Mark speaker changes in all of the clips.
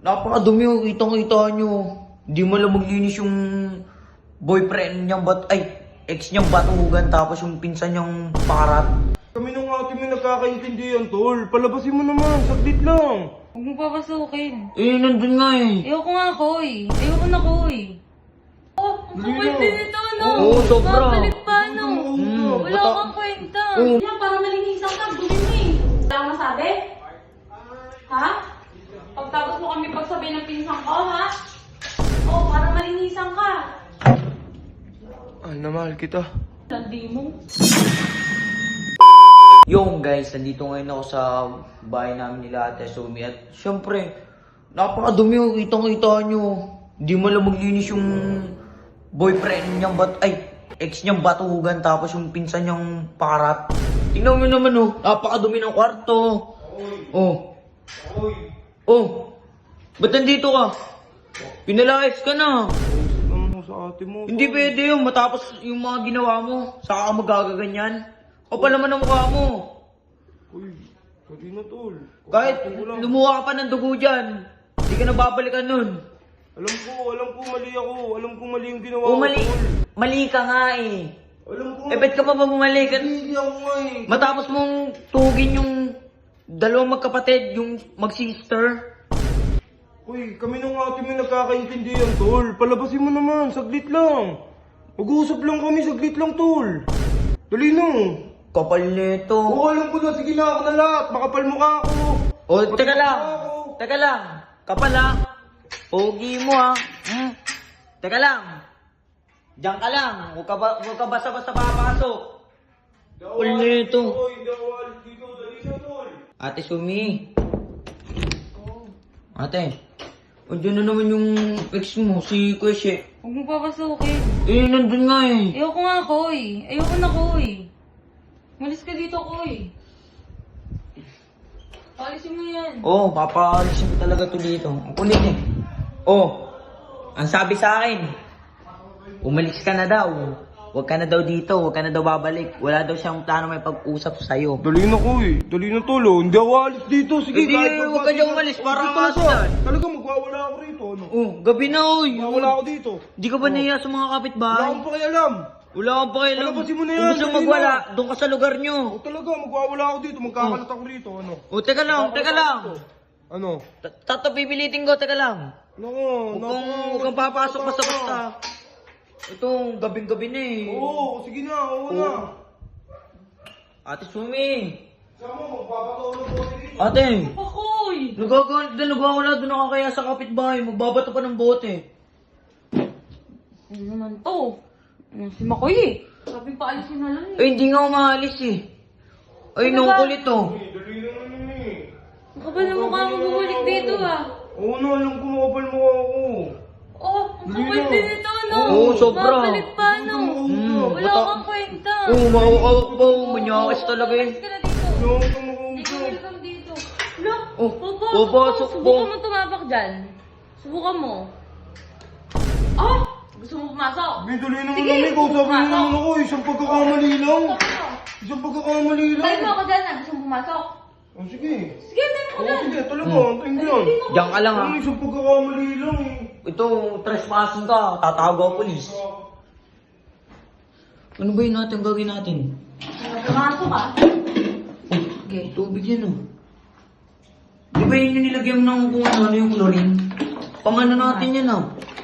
Speaker 1: Napakadumi oh, kitang-kita nyo. Hindi mo lang maglinis yung boyfriend niyang ex niyang batugan tapos yung pinsan niyang parat.
Speaker 2: Kami nung ate mo nagkakaintindihan, tol. Palabasin mo naman, saglit lang.
Speaker 3: Huwag mo papasukin.
Speaker 1: Eh, nandun nga eh.
Speaker 3: Ayoko nga, Koy. Ayoko na, Koy. Oh, ang
Speaker 2: Dali
Speaker 3: kapal
Speaker 2: na.
Speaker 3: din ito, no?
Speaker 1: Oo, sobra.
Speaker 3: Babalik pa, no? Wala
Speaker 1: bata-
Speaker 3: kang kwenta.
Speaker 1: Oo.
Speaker 3: Yan, para malinisan ka, dumi mo eh. Wala kang masabi? Ha? Pagtapos mo kami pagsabi ng pinsan ko, ha? Oh, para malinisan ka.
Speaker 2: Mahal na mahal kita.
Speaker 3: Landi mo.
Speaker 1: Yung guys, nandito ngayon ako sa bahay namin nila Ate Sumi at syempre, napakadumi oh, kitang-kita nyo. Hindi mo lang maglinis yung boyfriend niyang ex niyang batugan tapos yung pinsan niyang parat. Tingnan mo naman oh, napakadumi ng kwarto. Oh. Oh. Ba't nandito ka? Pinalayas ka na.
Speaker 2: Ano mo sa ate mo?
Speaker 1: Hindi pwede yung matapos yung mga ginawa mo. Saka ka magagaganyan. Kapal naman ang mukha mo.
Speaker 2: Uy, hindi na, tol.
Speaker 1: Kahit lumuha ka pa ng dugo dyan, hindi ka na babalikan nun.
Speaker 2: Alam ko, mali ako. Alam ko mali yung ginawa
Speaker 1: O
Speaker 2: ko,
Speaker 1: mali,
Speaker 2: tol.
Speaker 1: mali ka nga eh.
Speaker 2: Alam ko.
Speaker 1: Eh, ba't ka pa ba bumalik?
Speaker 2: Hindi ako nga eh.
Speaker 1: Matapos mong tugin yung dalawang magkapatid, yung mag-sister.
Speaker 2: Uy, kami nung ate mo nagkakaintindihan, tol. Palabasin mo naman, saglit lang. Mag-uusap lang kami, saglit lang, tol. Dali na.
Speaker 1: Kapal nito.
Speaker 2: Oo, alam ko na. Sige na, ako na lahat. Makapal mukha ako.
Speaker 1: O, teka lang.
Speaker 2: Mukha ako.
Speaker 1: Teka lang. Kapal ha. Pogi mo ha. Teka lang. Diyan ka lang. Huwag ka basta-basta papasok. Kapal nito.
Speaker 2: Uy, hindi ako alis dito. Dali na, tol.
Speaker 1: Ate Sumi. Ate. Andiyan na naman yung ex mo, si Kweshe.
Speaker 3: Huwag mo papasukin.
Speaker 1: Eh, nandun nga eh.
Speaker 3: Ayoko nga, Koy. Ayoko na, Koy. Malis ka dito, Koy. Palisin mo yan.
Speaker 1: Oh, papaalisin ko talaga to dito. Ang kulit eh. Oh, ang sabi sa akin, umalis ka na daw. Huwag ka na daw dito, huwag ka na daw babalik. Wala daw siyang plano may pag-usap sa'yo.
Speaker 2: Dali na, Koy. Dali na, tol. Oh. Hindi ako alis dito. Sige,
Speaker 1: Hindi, huwag ka dyan umalis, para ka dyan.
Speaker 2: Talaga, magwawala ako rito. Ano?
Speaker 1: Oh, gabi na oy.
Speaker 2: Magwawala ako dito.
Speaker 1: Di ka ba nahiya sa mga
Speaker 2: Wala
Speaker 1: kapitbahay?
Speaker 2: akong pakialam.
Speaker 1: Wala kang pakialam.
Speaker 2: Palabasin mo na yan,
Speaker 1: Kung gusto
Speaker 2: dali
Speaker 1: magwala,
Speaker 2: na.
Speaker 1: doon ka sa lugar nyo.
Speaker 2: O talaga, magwawala ako dito. Magkakalat ako rito. Ano?
Speaker 1: Oh, teka lang, teka lang.
Speaker 2: Ano?
Speaker 1: Tato pipilitin ko, teka lang.
Speaker 2: Nako,
Speaker 1: Huwag kang papasok basta-basta. Ito, gabing-gabi na eh.
Speaker 2: Oo, sige na. Oo na.
Speaker 1: Ate Sumi.
Speaker 2: Sama, magpapatulog ko dito.
Speaker 1: Ate.
Speaker 3: Koy!
Speaker 1: Nagwawala doon ako kaya sa kapitbahay. Magbabato pa ng bote.
Speaker 3: Ano naman to? Si Makoy eh. Sabi pa alisin na lang eh.
Speaker 1: Ay, hindi nga umaalis eh. Ay,
Speaker 3: Ano
Speaker 1: nung
Speaker 3: ba?
Speaker 1: kulit to.
Speaker 2: Dali na naman eh.
Speaker 3: Ang kapal na mukha mo bumalik dito ah.
Speaker 2: Oo na, alam ko makapal mukha ako.
Speaker 3: Oh, ang
Speaker 2: Dali
Speaker 3: kapal
Speaker 2: na.
Speaker 3: din ito, no?
Speaker 1: Oo, sobra.
Speaker 3: Babalik pa, no? Wala
Speaker 1: bata-
Speaker 3: kang kwenta.
Speaker 1: Oo, makakawak pa. Manyakis talaga eh.
Speaker 3: Umalis ka na dito.
Speaker 2: Ano ka
Speaker 3: Hindi ka
Speaker 2: makaupo?
Speaker 3: welcome dito. Look,
Speaker 1: Oh,
Speaker 3: papasok
Speaker 1: papasok
Speaker 3: ka.
Speaker 1: po.
Speaker 3: Subukan mo tumabak dyan. Subukan mo. Ah! Gusto mo pumasok?
Speaker 2: May dali naman
Speaker 3: Sige,
Speaker 2: naman. Ikaw sabi mo
Speaker 3: pumasok.
Speaker 2: naman ako. Isang pagkakamali lang.
Speaker 3: Pumasok.
Speaker 2: Isang pagkakamali lang.
Speaker 3: Balik mo ako dyan ah. Gusto mo pumasok?
Speaker 2: Oh, sige.
Speaker 3: Sige, balik mo
Speaker 2: Oo,
Speaker 3: dyan.
Speaker 2: sige. Talaga, antayin ko yan.
Speaker 1: Diyan ka lang ha.
Speaker 2: Ano, isang pagkakamali lang eh.
Speaker 1: Ito, trespassing ka. Tatawag ako polis. Ano ba yun natin gagawin natin?
Speaker 3: Pumasok ah.
Speaker 1: Oh, okay, tubig yan oh. Di ba yun yung nilagyan mo ng kung ano yung chlorine? Pangano natin yan ah.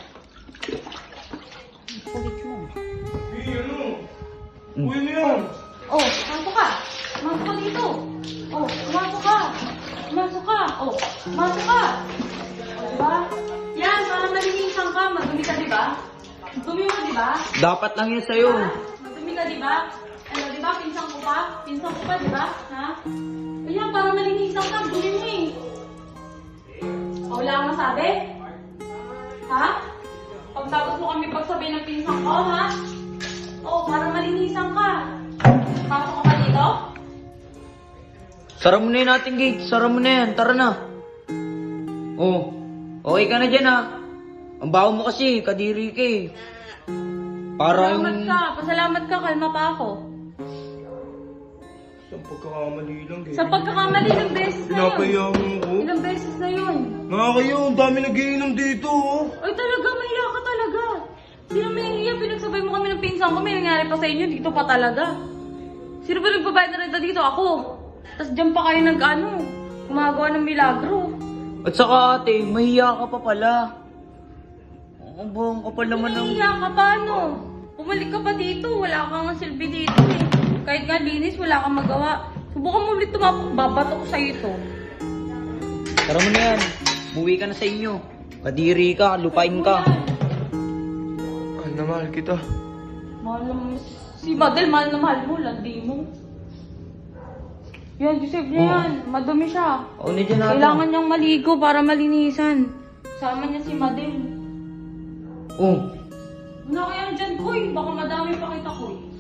Speaker 3: Kulit mo.
Speaker 2: Uy, ano? Uy, ano yan?
Speaker 3: Oh, pumasok ka. Pumasok ka dito. Oh, pumasok ka. Pumasok ka. Oh, pumasok ka. Oh, diba? Yan, para malinisan ka. Madumi ka, diba? Dumi mo, diba?
Speaker 1: Dapat lang yan sa'yo.
Speaker 3: Madumi ka, diba? Ano, diba? Pinsang ko pa? Pinsang ko pa, diba? Ha? Ayan, para malinisan ka. Dumi mo eh. Oh, wala kang masabi? Ha? Pagtapos mo kami pagsabi ng pinsang ko, ha? Oh, para malinisan ka. Pasok ka pa dito?
Speaker 1: Sara mo na yun natin gate. Sara mo na yan. Tara na. Oh, okay ka na dyan ah. Ang baho mo kasi, kadiri ka eh. Para
Speaker 3: Pasalamat
Speaker 1: yung...
Speaker 3: ka. Pasalamat ka. Kalma pa ako.
Speaker 2: Isang pagkakamali lang eh.
Speaker 3: Sa pagkakamali, ilang beses na yun.
Speaker 2: Pinapaya mo ko.
Speaker 3: Ilang beses na yun.
Speaker 2: Nakakayo, ang dami nagiinom dito oh.
Speaker 3: Ay talaga, mahiya ka talaga. Sino may hiya? Pinagsabay mo kami ng pinsan ko. May nangyari pa sa inyo, dito pa talaga. Sino ba nagbabayad na renta dito? Ako. Tapos dyan pa kayo gumagawa ng milagro.
Speaker 1: At saka ate, mahiya ka pa pala. Ang buong kapal naman ng...
Speaker 3: Mahiya ka pa, ano? Pumalik ka pa dito. Wala kang silbi dito eh. Kahit nga linis, wala kang magawa. Subukan mo ulit tumapok. Babato ko sa'yo ito.
Speaker 1: Tara mo na yan. Buwi ka na sa inyo. Kadiri ka, lupain ka.
Speaker 2: Mahal na mahal kita.
Speaker 3: Mahal na si Madel, mahal na mahal mo. Landi mo. Yan, Joseph niya yan. Madumi siya.
Speaker 1: O, na dyan natin.
Speaker 3: Kailangan niyang maligo para malinisan. Sama niya si Madel.
Speaker 1: Oh,
Speaker 3: Ano kaya dyan, Koy? Baka madami pa kita, Koy.